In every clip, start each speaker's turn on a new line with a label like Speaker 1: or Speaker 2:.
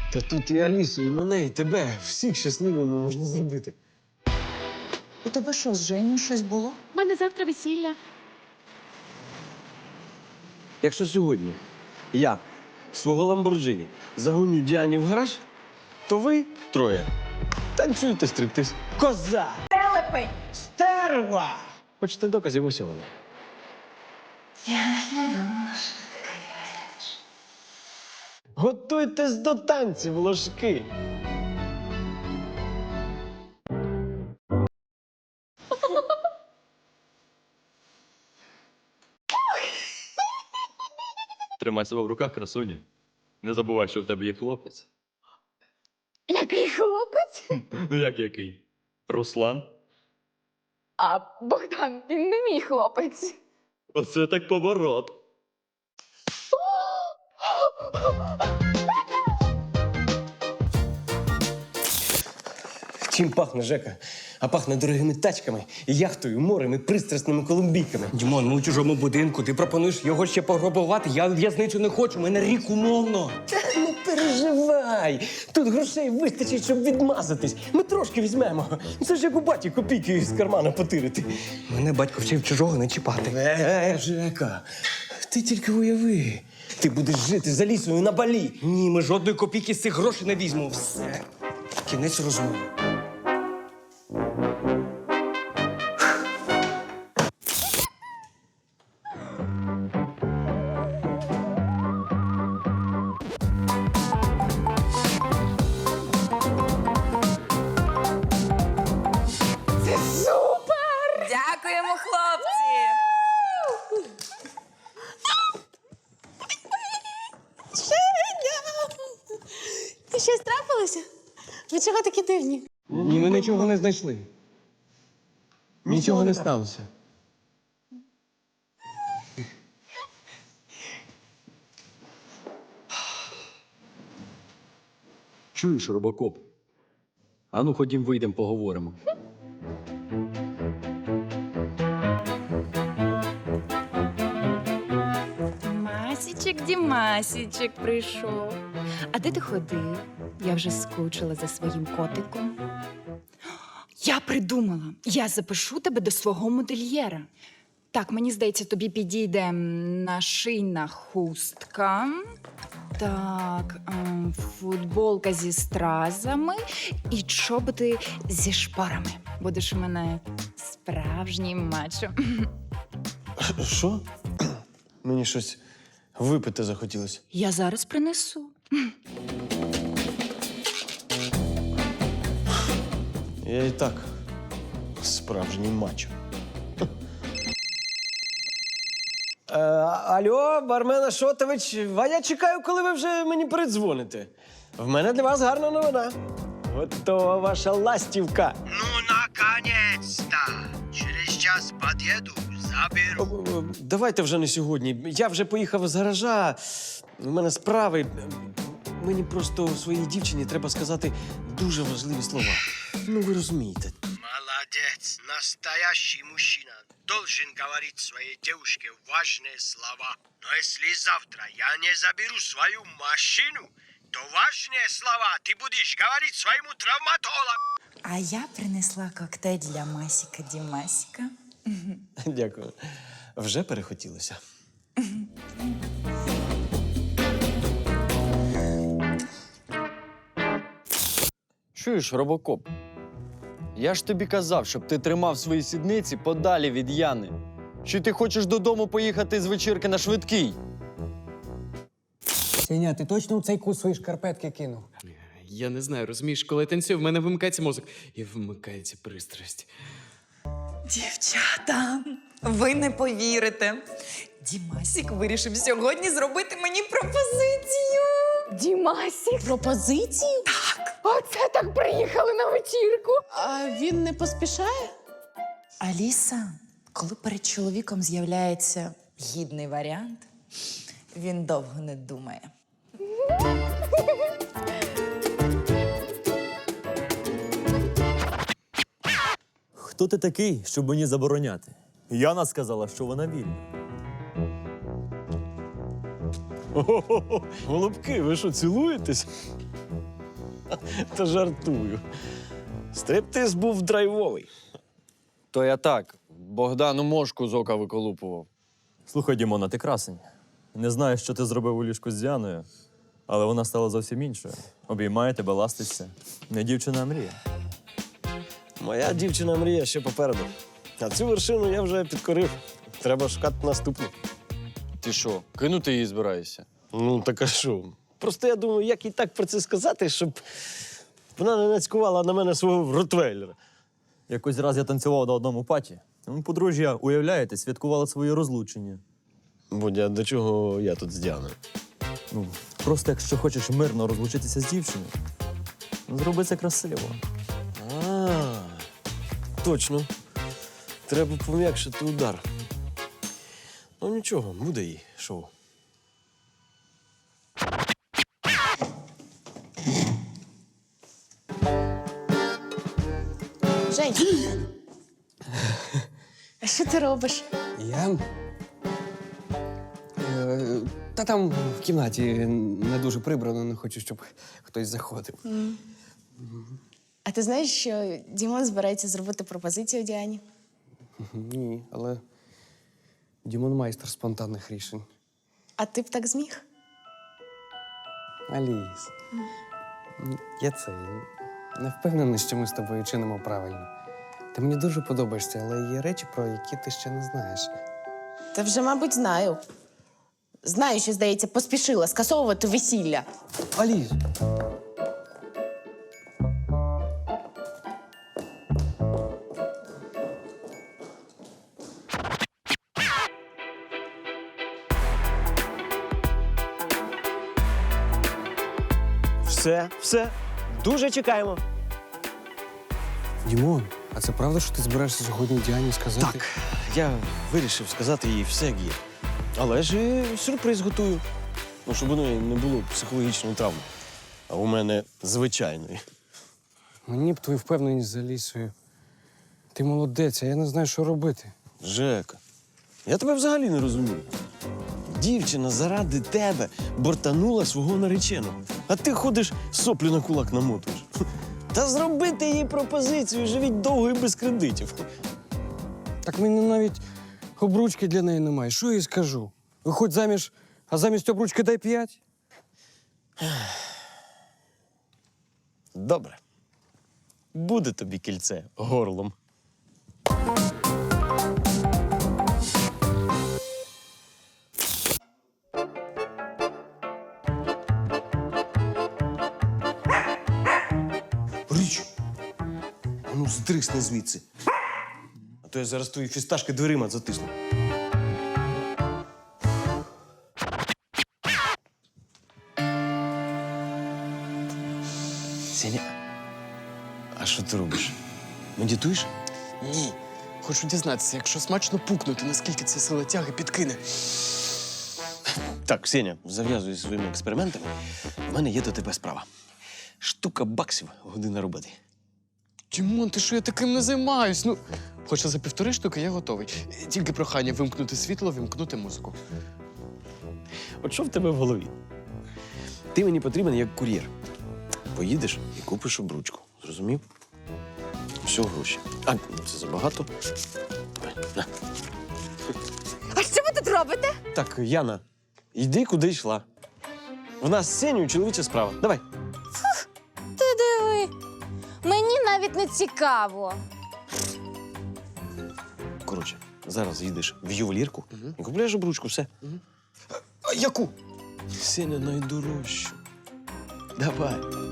Speaker 1: Та тут і Алісу, і мене, і тебе. Всіх щасливими можна зробити.
Speaker 2: У тебе що, з Женю щось було?
Speaker 3: У мене завтра весілля.
Speaker 1: Якщо сьогодні я свого Ламборджині загоню Діані в гараж, то ви троє танцюєте стриптиз. Коза!
Speaker 2: Телепень!
Speaker 1: Стерва! Хочете доказів усього? Готуйтесь до танців, ложки!
Speaker 4: Тримай себе в руках, красуня. Не забувай, що в тебе є хлопець.
Speaker 3: Який хлопець?
Speaker 4: Ну як який? Руслан?
Speaker 3: А Богдан, він не мій хлопець.
Speaker 4: Оце так поворот.
Speaker 1: Чим пахне, Жека? А пахне дорогими тачками, яхтою, морем і пристрасними колумбійками.
Speaker 5: Дімон, ми у чужому будинку. Ти пропонуєш його ще пограбувати? Я в в'язницю не хочу, мене рік умовно.
Speaker 1: Не переживай! Тут грошей вистачить, щоб відмазатись. Ми трошки візьмемо. Це ж як у баті копійки з кармана потирити.
Speaker 5: Мене батько вчив чужого не чіпати.
Speaker 1: Жека, ти тільки уяви. Ти будеш жити за лісою на Балі.
Speaker 5: Ні, ми жодної копійки з цих грошей не візьмемо. Все. Кінець розмови.
Speaker 2: Дякуємо, хлопці!
Speaker 3: Ти щось трапилося? Ви чого такі дивні?
Speaker 1: Ні, ми нічого не знайшли. Нічого не сталося.
Speaker 4: Чуєш, робокоп? Ану, ходім, вийдемо, поговоримо.
Speaker 6: Масічек, Дімасічек прийшов. А де ти ходив? Я вже скучила за своїм котиком. Я придумала. Я запишу тебе до свого модельєра. Так, мені здається, тобі підійде нашийна хустка. Так, футболка зі стразами і чоботи зі шпорами. Будеш у мене справжній мачо.
Speaker 1: Що? Мені щось випити захотілося.
Speaker 6: Я зараз принесу.
Speaker 1: Я і так справжній мачо. Алло, бармен Ашотович, а я чекаю, коли ви вже мені передзвоните. В мене для вас гарна новина. Готова ваша ластівка.
Speaker 7: Ну, наконец-то! Через час подъеду, заберу.
Speaker 1: Давайте вже не сьогодні. Я вже поїхав з гаража. У мене справи. Мені просто своїй дівчині треба сказати дуже важливі слова. Ну, ви розумієте.
Speaker 7: Молодец! Настоящий мужчина должен говорить своей девушке важные слова. Но если завтра я не заберу свою машину, то важные слова ты будешь говорить своему травматологу.
Speaker 2: А я принесла коктейль для Масіка Дімасіка.
Speaker 1: Дякую. Вже перехотілося.
Speaker 8: Чуєш, робокоп? Я ж тобі казав, щоб ти тримав свої сідниці подалі від Яни. Чи ти хочеш додому поїхати з вечірки на швидкий?
Speaker 9: Сеня, ти точно у цей кут свої шкарпетки кинув?
Speaker 10: Я не знаю, розумієш, коли я танцюю, в мене вимикається мозок і вмикається пристрасть.
Speaker 2: Дівчата, ви не повірите. Дімасік вирішив сьогодні зробити мені пропозицію.
Speaker 3: Дімасік? Пропозицію? Так. Оце так приїхали на вечірку. А він не поспішає?
Speaker 2: Аліса, коли перед чоловіком з'являється гідний варіант, він довго не думає.
Speaker 11: Хто ти такий, щоб мені забороняти? Яна сказала, що вона вільна.
Speaker 1: Голубки, ви що, цілуєтесь? Та жартую. Стриптиз був драйвовий.
Speaker 8: То я так, Богдану мошку з ока виколупував.
Speaker 11: Слухай, Дімона, ти красень. Не знаю, що ти зробив у ліжку з Діаною, але вона стала зовсім іншою. Обіймає тебе, ластиться. Не дівчина, а мрія.
Speaker 1: Моя дівчина мрія ще попереду. А цю вершину я вже підкорив. Треба шукати наступну.
Speaker 8: Ти що, кинути її збираєшся?
Speaker 1: Ну, так а що? Просто я думаю, як їй так про це сказати, щоб вона не нацькувала на мене свого ротвейлера.
Speaker 11: Якось раз я танцював на одному паті. Подружжя, уявляєте, святкувало своє розлучення.
Speaker 1: Бодя, до чого я тут з Діаною?
Speaker 11: Ну, просто якщо хочеш мирно розлучитися з дівчиною, зроби це красиво.
Speaker 1: А, точно. Треба пом'якшити удар. Ну нічого, буде їй шоу.
Speaker 3: Жень, а що ти робиш?
Speaker 9: Я? Та там в кімнаті не дуже прибрано, не хочу, щоб хтось заходив.
Speaker 3: А ти знаєш, що Дімон збирається зробити пропозицію Діані?
Speaker 9: Ні, але Дімон майстер спонтанних рішень.
Speaker 3: А ти б так зміг?
Speaker 9: Аліс, я не впевнений, що ми з тобою чинимо правильно. Ти мені дуже подобаєшся, але є речі, про які ти ще не знаєш.
Speaker 3: Та вже, мабуть, знаю. Знаю, що, здається, поспішила скасовувати весілля.
Speaker 9: Аліс!
Speaker 1: Все. Дуже чекаємо.
Speaker 9: Дімон, а це правда, що ти збираєшся сьогодні Діані сказати?
Speaker 1: Так, я вирішив сказати їй все, як є. Але ж і сюрприз готую. Ну, щоб у неї не було психологічної травми. А у мене звичайної.
Speaker 9: Мені б твою впевненість за Алісою. Ти молодець, а я не знаю, що робити.
Speaker 1: Жека, я тебе взагалі не розумію. Дівчина заради тебе бортанула свого нареченого. А ти ходиш, соплю на кулак намотуєш. Та зробити їй пропозицію, живіть довго і без кредитів.
Speaker 9: Так мені навіть обручки для неї немає. Що я їй скажу? Виходь заміж, а замість обручки дай 5?
Speaker 1: Добре. Буде тобі кільце горлом. Річ! Ну, здрисни звідси. А то я зараз твої фісташки дверима затисну. Сеня, а що ти робиш? Медитуєш?
Speaker 10: Ні. Хочу дізнатися, якщо смачно пукнути, наскільки ця сила тяги підкине.
Speaker 1: Так, Сеня, зав'язуй зі своїми експериментами. У мене є до тебе справа. Штука баксів, година роботи.
Speaker 10: Дімон, ти що, я таким не займаюсь? Ну, хоча за 1,5 штуки я готовий. Тільки прохання вимкнути світло, вимкнути музику.
Speaker 1: От що в тебе в голові? Ти мені потрібен як кур'єр. Поїдеш і купиш обручку. Зрозумів? Все гроші. А, це забагато. Давай, на.
Speaker 3: А що ви тут робите?
Speaker 1: Так, Яна, йди, куди йшла. В нас з Сенею чоловіча справа. Давай.
Speaker 12: Ти диви. Мені навіть не цікаво.
Speaker 1: Коротше, зараз їдеш в ювелірку і купляєш обручку, все.
Speaker 10: А яку?
Speaker 1: Сеня найдорожчу. Давай.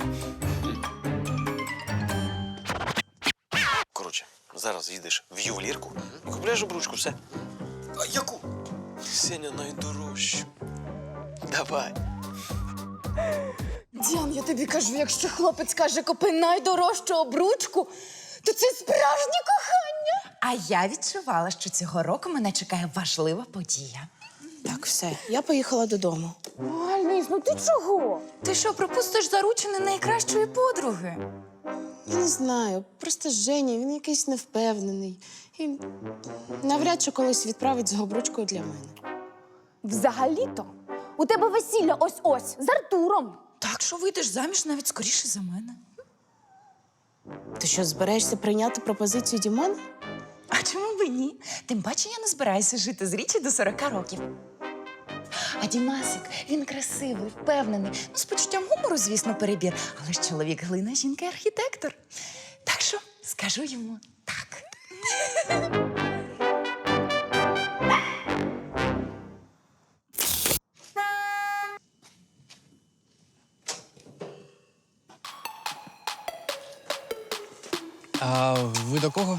Speaker 1: Коротше, зараз їдеш в ювелірку і купляєш обручку, все.
Speaker 10: А яку?
Speaker 1: Сеня найдорожчу. Давай.
Speaker 3: Діан, я тобі кажу, якщо хлопець каже, купи найдорожчу обручку, то це справжнє кохання.
Speaker 2: А я відчувала, що цього року мене чекає важлива подія.
Speaker 3: Так, все, я поїхала додому.
Speaker 12: Аліс, ну ти чого?
Speaker 2: Ти що, пропустиш заручини найкращої подруги?
Speaker 3: Я не знаю, просто Женя, він якийсь невпевнений. І навряд чи колись відправить з обручкою для мене.
Speaker 12: Взагалі-то у тебе весілля ось-ось з Артуром.
Speaker 2: Так що вийдеш заміж навіть скоріше за мене.
Speaker 3: Ти що, збираєшся прийняти пропозицію Дімона?
Speaker 2: А чому б ні? Тим паче я не збираюся жити з Річі до 40 років. А Дімасик, він красивий, впевнений. Ну, з почуттям гумору, звісно, перебір. Але ж чоловік глина, жінка архітектор. Так що скажу йому так.
Speaker 9: А ви до кого?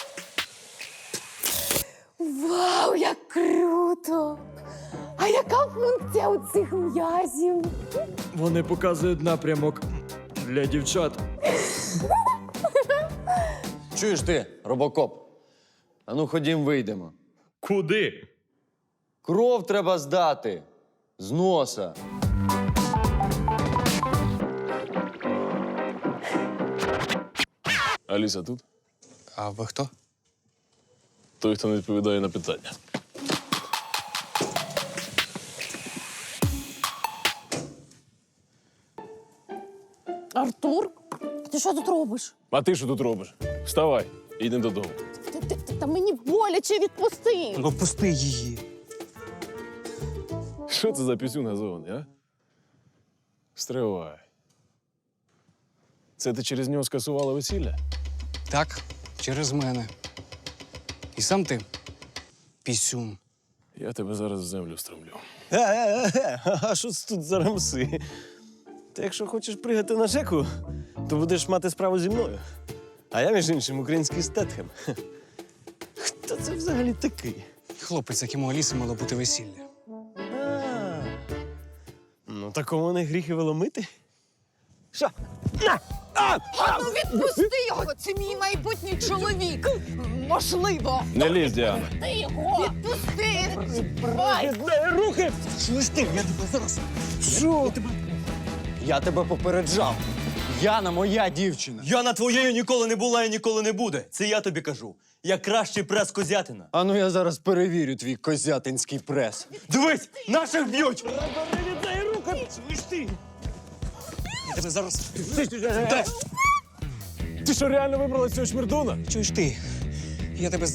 Speaker 12: Вау, як круто! А яка функція у цих м'язів?
Speaker 11: Вони показують напрямок для дівчат.
Speaker 8: Чуєш ти, робокоп? Ану, ходім, вийдемо.
Speaker 11: Куди?
Speaker 8: Кров треба здати. З носа.
Speaker 13: Аліса тут?
Speaker 9: А ви хто?
Speaker 13: Той, хто не відповідає на питання.
Speaker 12: Артур, ти що тут робиш?
Speaker 13: А ти що тут робиш? Вставай, йди додому.
Speaker 12: Та мені боляче, відпусти.
Speaker 1: Ну, пусти її.
Speaker 13: Що це за пісюн газований, а? Стривай. Це ти через нього скасувала весілля?
Speaker 9: Так, через мене. І сам ти пісюн.
Speaker 13: Я тебе зараз в землю стромлю.
Speaker 1: А що це тут за рамси? Ти якщо хочеш пригати на Жеку, то будеш мати справу зі мною. А я, між іншим, український Стетхем. Хто це взагалі такий?
Speaker 9: Хлопець, яким у Аліси мало бути весілля.
Speaker 1: А, ну, такому не гріх і веломити. Що? На! А!
Speaker 3: Ну відпусти його! Це мій майбутній чоловік! Можливо!
Speaker 13: Не лізь, Діана.
Speaker 3: Ти його! Відпусти!
Speaker 1: Руки!
Speaker 5: Чуєш ти? Я тебе зараз. Що? Я тебе попереджав. Яна моя дівчина.
Speaker 8: Яна твоєю ніколи не була і ніколи не буде. Це я тобі кажу. Я кращий прес козятина. А ну я зараз перевірю твій козятинський прес. Дивись, наших б'ють!
Speaker 1: Віддай руки! Слиш ти!
Speaker 9: Я тебе зараз.
Speaker 13: Ти що, реально вибрала цього шмірдуна?
Speaker 9: Чуєш ти? Я тебе.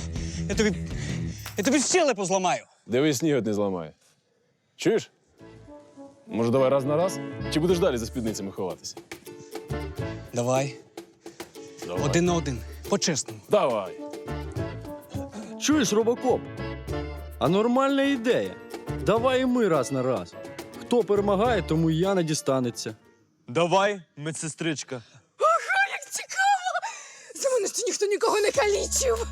Speaker 9: Я тобі щелепу зламаю.
Speaker 13: Дивись, сніг не зламає. Чуєш? Може, давай раз на раз? Чи будеш далі за спідницями ховатися?
Speaker 9: Давай.
Speaker 13: Давай.
Speaker 9: 1 на 1. По-чесному.
Speaker 13: Давай.
Speaker 8: Чуєш, робокоп? А нормальна ідея. Давай і ми раз на раз. Хто перемагає, тому і Яна дістанеться. Давай, медсестричка.
Speaker 3: Як цікаво! За мене ще ніхто нікого не калічив!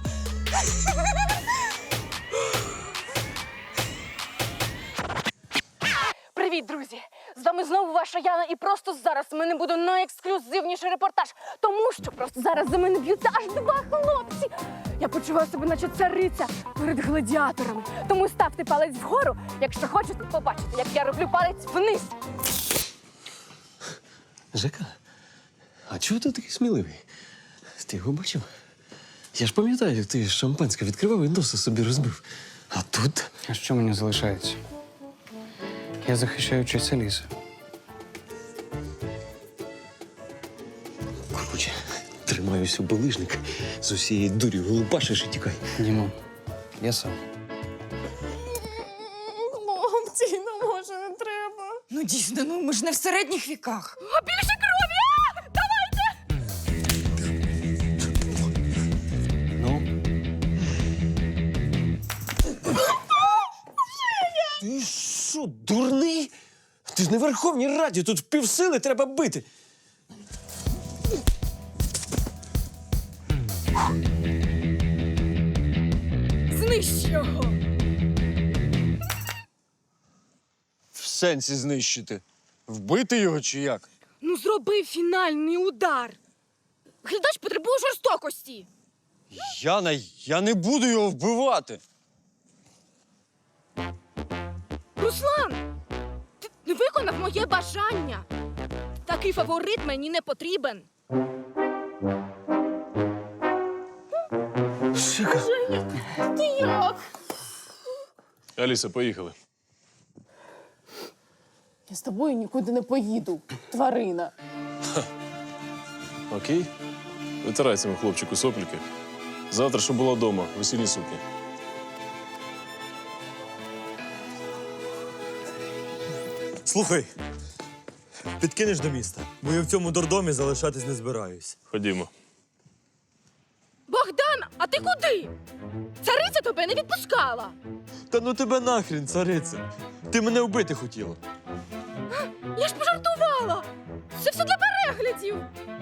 Speaker 12: Привіт, друзі! З вами знову ваша Яна, і просто зараз в мене буде найексклюзивніший репортаж, тому що просто зараз за мене б'ються аж 2 хлопці. Я почуваю себе, наче цариця перед гладіаторами. Тому ставте палець вгору, якщо хочете побачити, як я роблю палець вниз.
Speaker 1: Жека, а чого ти такий сміливий? Ти його бачив? Я ж пам'ятаю, як ти шампанське відкривав і носа собі розбив. А тут?
Speaker 9: А що мені залишається? Я захищаю честь Аліси.
Speaker 1: Короче, тримаюся у булижник, з усієї дурі голубашиш і тікай.
Speaker 9: Дімон, я сам.
Speaker 3: Хлопці, ну може не треба.
Speaker 2: Ну дійсно, ну ми ж не в середніх віках.
Speaker 12: А більше крові! Давайте!
Speaker 9: Ну,
Speaker 1: Ти що, дурний? Ти ж не в Верховній Раді, тут впівсили треба бити.
Speaker 3: Знищ його!
Speaker 8: В сенсі знищити. Вбити його чи як?
Speaker 12: Ну зроби фінальний удар. Глядач потребує жорстокості.
Speaker 8: Яна, я не буду його вбивати.
Speaker 12: Руслан, ти не виконав моє бажання. Такий фаворит мені не потрібен.
Speaker 1: Жека,
Speaker 12: Ти як?
Speaker 13: Аліса, поїхали.
Speaker 3: Я з тобою нікуди не поїду, тварина.
Speaker 13: Окей? Витирай цьому хлопчику сопліки. Завтра, щоб була вдома, весільні сукні.
Speaker 11: Слухай, підкинеш до міста, бо я в цьому дурдомі залишатись не збираюсь.
Speaker 13: Ходімо.
Speaker 12: Богдан, а ти куди? Цариця тебе не відпускала.
Speaker 11: Та ну тебе нахрін, цариця. Ти мене вбити хотіла.
Speaker 12: Я ж пожартувала. Це все для переглядів.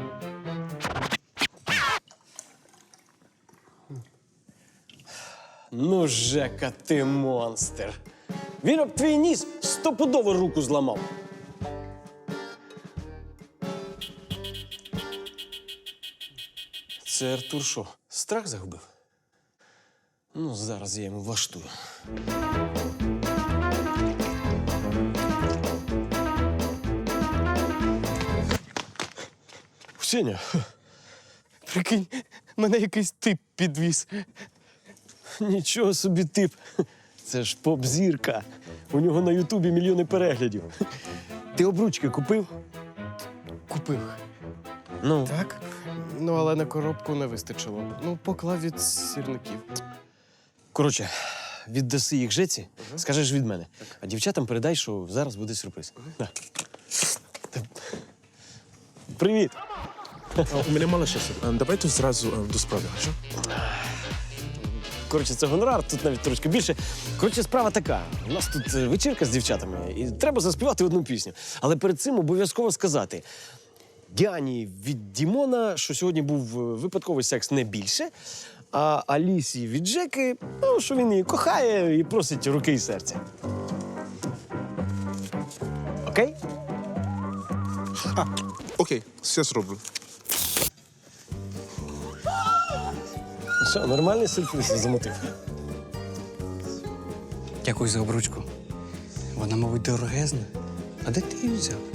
Speaker 1: Ну, Жека, ти монстр. Він об твій ніс стопудово руку зламав. Це Артур що, страх загубив? Ну, зараз я йому влаштую. Сеня,
Speaker 5: Прикинь, мене якийсь тип підвіз.
Speaker 1: нічого собі тип. Це ж поп-зірка. У нього на Ютубі мільйони переглядів. Ти обручки купив?
Speaker 5: Купив.
Speaker 1: Ну,
Speaker 5: Так? Ну, але на коробку не вистачило. Ну, поклав від сірників.
Speaker 1: коротше, віддаси їх Жеці, скажеш від мене. А дівчатам передай, що зараз буде сюрприз. Да. Привіт!
Speaker 14: У мене мало часу. Давайте зразу до справи. Що?
Speaker 1: Коротше, це гонорар, тут навіть трошки більше. Коротше, справа така. У нас тут вечірка з дівчатами, і треба заспівати одну пісню. Але перед цим обов'язково сказати Діані від Дімона, що сьогодні був випадковий секс не більше, а Алісі від Жеки, ну, що він її кохає і просить руки і серця. Окей?
Speaker 14: Окей, все зроблю.
Speaker 1: Що, нормальний сюрприз замотив?
Speaker 9: Дякую за обручку. Вона, мабуть, дорогезна. А де ти її взяв?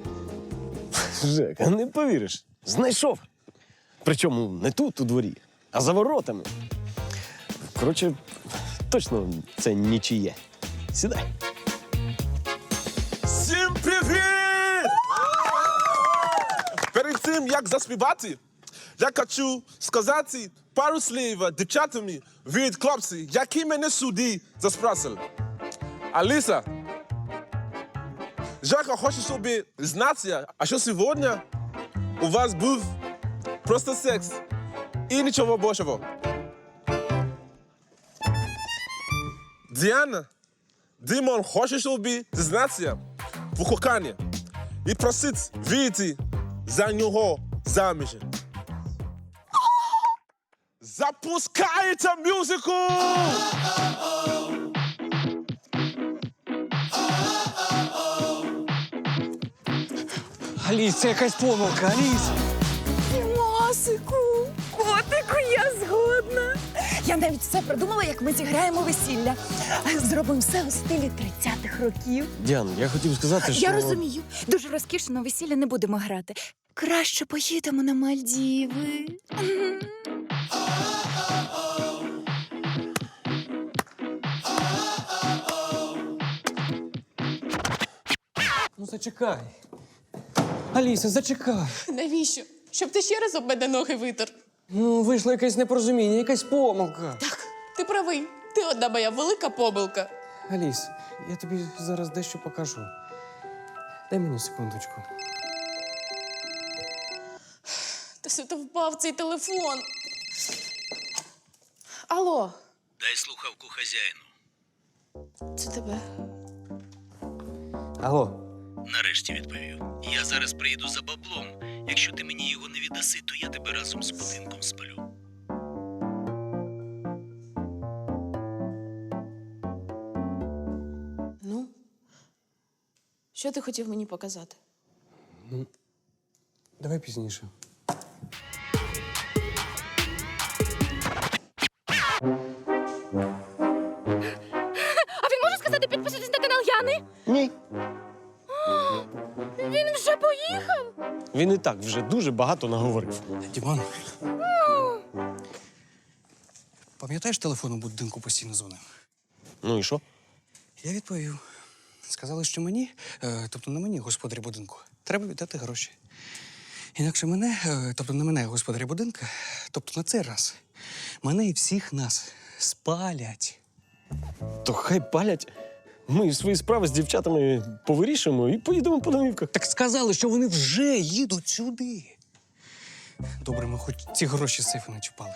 Speaker 1: Жека, не повіриш. Знайшов. Причому не тут, у дворі, а за воротами. Коротше, точно це нічиє. Сідай.
Speaker 14: Всім привіт! Перед тим, як заспівати, я хочу сказати пару слів дівчатами від хлопців, які мене сюди запросили. Аліса, Жека хоче, щоб знати, а що сьогодні у вас був просто секс і нічого більшого. Діана, Дімон хоче, щоб дізнатися в коханні і просить вийти за нього заміж. Запускайте музику!
Speaker 5: Аліс, це якась помилка, Аліс!
Speaker 2: Дімасику, котику, я згодна. Я навіть все придумала, як ми зіграємо весілля. Зробимо все у стилі 30-х років.
Speaker 1: Діан, я хотів сказати, що...
Speaker 6: Я розумію. Дуже розкішно весілля не будемо грати. Краще поїдемо на Мальдіви.
Speaker 5: Ну, зачекай. Аліса, зачекай.
Speaker 3: Навіщо? Щоб ти ще раз об мене ноги витер.
Speaker 5: Ну, вийшло якесь непорозуміння, якась помилка.
Speaker 3: Так, ти правий. Ти одна моя велика помилка.
Speaker 9: Аліс, я тобі зараз дещо покажу. Дай мені секундочку.
Speaker 3: Та все то впав цей телефон. Алло,
Speaker 7: Дай слухавку хазяїну.
Speaker 3: це тебе.
Speaker 9: Алло.
Speaker 7: Нарешті відповів. Я зараз приїду за баблом. Якщо ти мені його не віддаси, то я тебе разом з будинком спалю.
Speaker 3: Ну, що ти хотів мені показати?
Speaker 9: Давай пізніше.
Speaker 12: А він може сказати підписуйтесь на канал Яни?
Speaker 1: Ні.
Speaker 12: Він вже поїхав.
Speaker 1: Він і так вже дуже багато наговорив.
Speaker 9: Дімон. Пам'ятаєш, телефон у будинку постійно дзвонив?
Speaker 1: Ну і що?
Speaker 9: Я відповів. Сказали, що мені, тобто на мені, господарі будинку, треба віддати гроші. Інакше мене, тобто на мене, господарі будинку, тобто на цей раз, мене і всіх нас спалять.
Speaker 1: То хай палять. Ми свої справи з дівчатами повирішимо і поїдемо по домівках.
Speaker 9: Так сказали, що вони вже їдуть сюди. Добре, ми хоч ці гроші з сейфу не чіпали.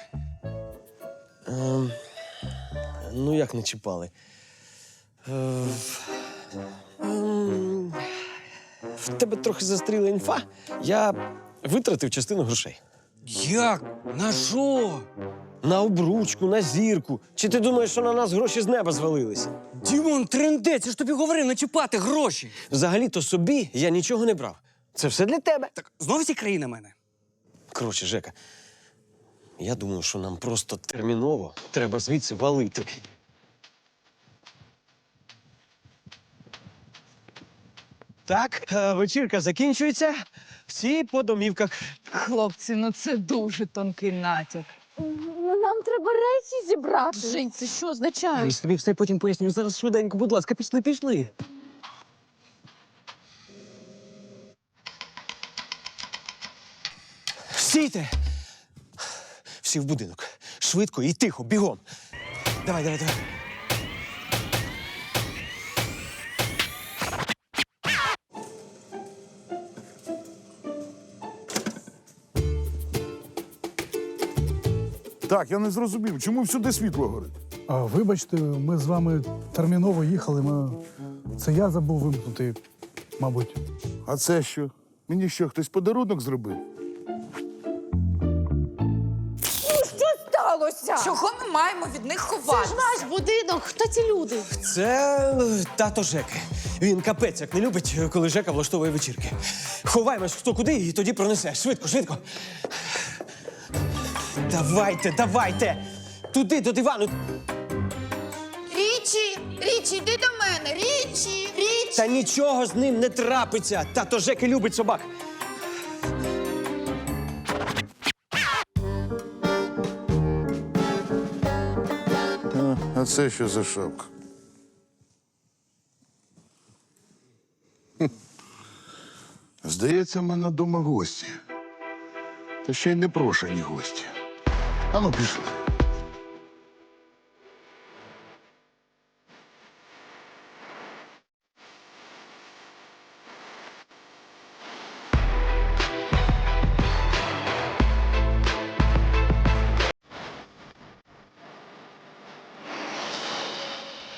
Speaker 1: Ну, як не чіпали? В тебе трохи застріла інфа. Я витратив частину грошей.
Speaker 9: Як? На що?
Speaker 1: На обручку, на зірку. Чи ти думаєш, що на нас гроші з неба звалилися?
Speaker 9: Дімон, трендець, я ж тобі говорив, не чіпати гроші.
Speaker 1: Взагалі-то собі я нічого не брав. Це все для тебе.
Speaker 9: Так знов ці краї на мене?
Speaker 1: Коротше, Жека, я думаю, що нам просто терміново треба звідси валити. Так, вечірка закінчується. Всі по домівках.
Speaker 3: Хлопці, ну це дуже тонкий натяк.
Speaker 12: Ну, нам треба речі зібрати.
Speaker 3: Жень, це що означає?
Speaker 9: Я тобі все потім поясню. Зараз швиденько, будь ласка, пішли.
Speaker 1: Стійте! Всі в будинок. Швидко і тихо, бігом. Давай.
Speaker 15: Так, я не зрозумів, чому всюди світло горить?
Speaker 16: Вибачте, ми з вами терміново їхали. Це я забув вимкнути, мабуть.
Speaker 15: А це що? Мені що, хтось подарунок зробив?
Speaker 12: Що сталося?
Speaker 2: Чого ми маємо від них
Speaker 3: Це
Speaker 2: ховатися?
Speaker 3: ж наш будинок. Хто ці люди?
Speaker 1: Це тато Жеки. Він капець як не любить, коли Жека влаштовує вечірки. Ховаємось хто куди і тоді пронесе. Швидко. Давайте! Туди, до дивану.
Speaker 2: Річі, йди до мене! Річі!
Speaker 1: Та нічого з ним не трапиться. Тато Жеки любить собак.
Speaker 15: А це що за шапка? Здається, в мене вдома гості. Та ще й непрошені гості. Ану, пішли.